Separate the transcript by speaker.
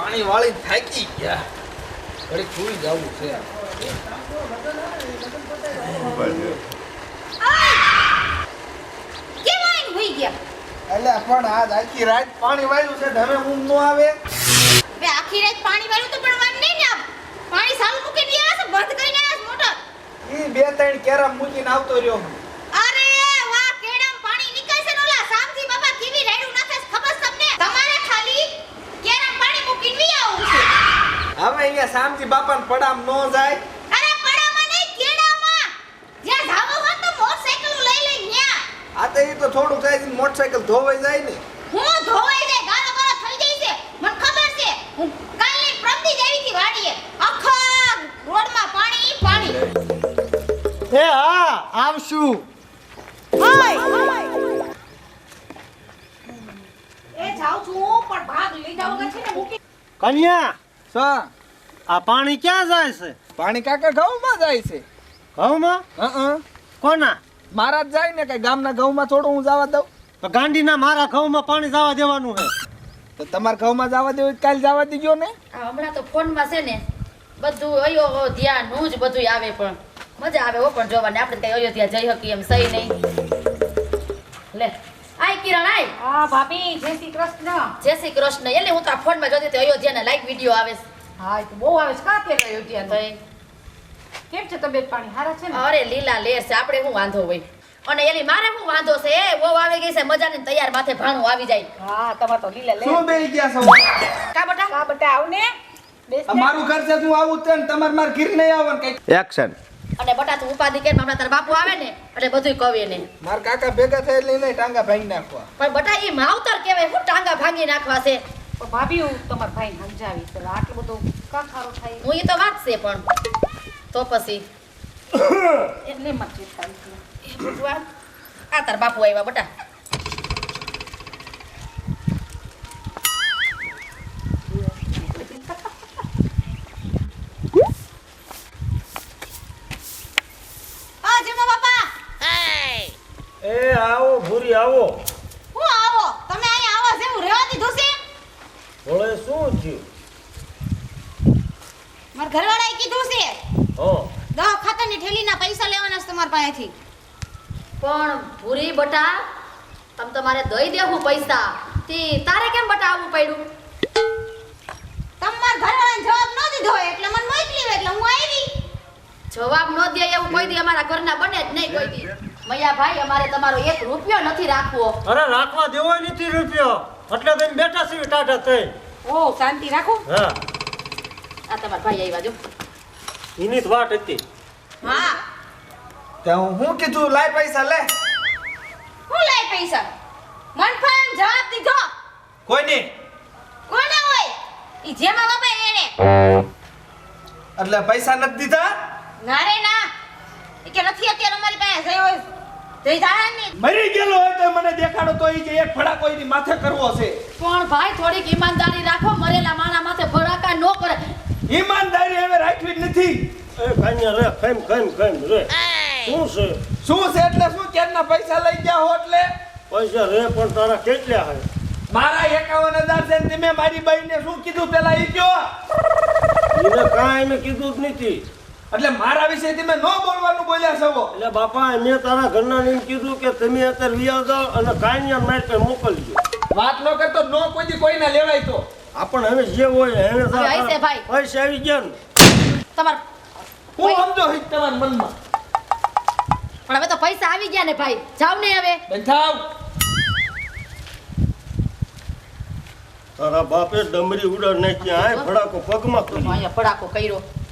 Speaker 1: પાણી વાળી થાકી ગયા ઘડી સુઈ જવું છે એટલે પણ આજ આખી રાત પાણી વાળ્યું છે હવે ઊંઘ નો આવે
Speaker 2: બે આખી રાત પાણી વાળું તો પણ વાન નહીં ને પાણી સાલું મૂકીને આવ્યા છે બંધ કરીને આવ્યા છે મોટર
Speaker 1: ઈ બે ત્રણ કેરા મૂકીને આવતો રહ્યો
Speaker 2: અરે વાહ કેડામ પાણી નીકળશે ને ઓલા સામજી બાબા કેવી રેડું નાખે છે ખબર તમને તમારે ખાલી કેરામ પાણી મૂકીને વી આવું છે
Speaker 1: હવે અહીંયા શામજી બાપાને પડામ નો જાય
Speaker 2: અરે પડામાં નહીં કેડામાં જ્યાં જાવો હોય તો મોટરસાઇકલ લઈ લઈ ન્યા
Speaker 1: આ તો ઈ તો થોડું થાય છે મોટરસાઇકલ ધોવાઈ જાય ને
Speaker 2: હું ધોવાઈ જાય ગાળો ગાળો થઈ જાય છે મને ખબર છે હું કાલની પ્રમદી જ આવી હતી વાડીએ આખા રોડમાં પાણી પાણી
Speaker 3: એ હા આવશું
Speaker 2: એ જાઉં છું પણ ભાગ લઈ જાવ કે છે ને મૂકી
Speaker 3: કન્યા
Speaker 1: સા
Speaker 3: આ પાણી ક્યાં જાય છે
Speaker 1: પાણી કાકા ઘઉંમાં જાય છે
Speaker 3: ઘઉંમાં કોના
Speaker 1: મારા જ જાય ને કઈ ગામના ઘઉંમાં થોડું હું જવા દઉં
Speaker 3: તો ગાંડીના મારા ઘઉંમાં પાણી જવા દેવાનું છે
Speaker 1: તો તમારા ઘઉંમાં જવા દેવું કાલ જવા દીજો ને
Speaker 4: હમણાં તો ફોનમાં છે ને બધું અયોધ્યા નું જ બધું આવે પણ મજા આવે હો પણ જોવાની આપણે કઈ અયોધ્યા જઈ શકીએ એમ સહી નહીં લે આય કિરણ આય
Speaker 2: હા ભાભી જય શ્રી કૃષ્ણ
Speaker 4: જય શ્રી કૃષ્ણ એટલે હું તો આ ફોનમાં જોતી હતી અયોધ્યાના લાઈક વિડીયો આવે છે
Speaker 2: હા એ તો બહુ આવે છે કા કે અયોધ્યા
Speaker 4: ભાઈ
Speaker 2: કેમ છે તબિયત પાણી હારા છે ને
Speaker 4: અરે લીલા લેર છે આપણે શું વાંધો હોય અને એલી મારે શું વાંધો છે એ બહુ આવી ગઈ છે મજાની તૈયાર માથે ભાણું આવી જાય
Speaker 2: હા તમાર તો લીલા લે
Speaker 1: શું બેહી ગયા છો
Speaker 4: કા બટા
Speaker 2: કા બટા આવ ને બેસ ને.
Speaker 1: મારું ઘર છે હું આવું તે તમારે માર ઘીર નહીં આવવાનું કઈ એક્શન
Speaker 4: અને બટા તું ઉપાધિ કે હમણાં તારા બાપુ આવે ને એટલે બધુંય કવે ને
Speaker 1: માર કાકા ભેગા થાય એટલે એને ટાંગા ભાંગી નાખવા
Speaker 4: પણ બટા એ માવતર કહેવાય હું ટાંગા ભાંગી નાખવા છે
Speaker 2: પણ ભાભી હું તમાર ભાઈ સમજાવી તો આટલું બધું કા ખારો થાય
Speaker 4: હું એ તો વાત છે પણ તો પછી
Speaker 2: એટલે મત ચિંતા નથી
Speaker 4: એ બધું આ તાર બાપુ આવ્યા બટા
Speaker 2: આ જમા બાપા
Speaker 3: એ આવો ભૂરી આવો
Speaker 2: હું આવો તમે અહીંયા આવો છે હું રહેવા દીધું છે
Speaker 3: ભોળે શું થયું
Speaker 2: માર ઘરવાળાએ કીધું છે
Speaker 3: હો
Speaker 2: દવા ખાતરની ઠેલીના પૈસા લેવાના છે તમારા પાસેથી
Speaker 4: પણ ભૂરી બટા તમ તમારે દઈ દેવું પૈસા તી તારે કેમ બટા આવવું પડ્યું
Speaker 2: તમાર ઘરવાળાને જવાબ ન દીધો હોય એટલે મને મોકલી એટલે હું આવી
Speaker 4: જવાબ ન દે એવું કોઈ દી અમારા ઘરના બને જ નહીં કોઈ દી મૈયા ભાઈ અમારે તમારો 1 રૂપિયો નથી રાખવો
Speaker 3: અરે રાખવા દેવો નથી રૂપિયો એટલે તમે બેઠા છીએ ટાટા થઈ
Speaker 2: ઓ શાંતિ રાખો
Speaker 3: હા
Speaker 4: આ તમારા ભાઈ આવ્યા જો
Speaker 3: એની જ વાત હતી
Speaker 2: હા
Speaker 1: તે હું કીધું લાય પૈસા લે
Speaker 2: હું લાય પૈસા મન ફામ જવાબ દીધો
Speaker 1: કોઈ નહીં
Speaker 2: કોને હોય ઈ જેમાં બાપા એને
Speaker 1: એટલે પૈસા નથી દીધા
Speaker 2: ના રે ના ઈ કે નથી અત્યારે અમારી પાસે જઈ હોય જઈ જાય ને
Speaker 1: મરી ગયેલો હોય તો મને દેખાડો તો ઈ જે એક ફડાકો એની માથે કરવો છે
Speaker 4: પણ ભાઈ થોડીક ઈમાનદારી રાખો મરેલા માણા માથે ભડાકા ન કરે
Speaker 1: ઈમાનદારી હવે રાખવી જ નથી
Speaker 3: એ કાન્યા રે કેમ રે શું છે
Speaker 1: શું છે એટલે શું કેરના પૈસા લઈ ગયા હો એટલે
Speaker 3: પૈસા રે પણ તારા કેટલા હે
Speaker 1: મારા 51,000 છે ને તમે મારી બાઈને શું કીધું પેલા ઈ કયો
Speaker 3: એને કાંઈ મેં કીધું જ નથી
Speaker 1: એટલે મારા વિશે તમે ન બોલવાનું બોલ્યા છો
Speaker 3: એટલે બાપા મેં તારા ઘરના એમ કીધું કે તમે અત્યારે વિયા જાઓ અને કાન્યા મારી પાસે મોકલજો
Speaker 1: વાત ન કરતો નો કોઈ કોઈના લેવાય તો
Speaker 3: આપણ હવે જે હોય હવે
Speaker 4: હવે આઈસે ભાઈ.
Speaker 3: પૈસા આવી ગયા ને
Speaker 4: તમાર
Speaker 1: હું સમજો હિત તમારા મનમાં
Speaker 4: પણ હવે તો પૈસા આવી ગયા ને ભાઈ જાવ ને હવે
Speaker 1: બંધાવ
Speaker 3: તારા બાપે ડમરી ઉડાડ નાખી આય ફડાકો પગમાં કરી
Speaker 4: અહીંયા ફડાકો કર્યો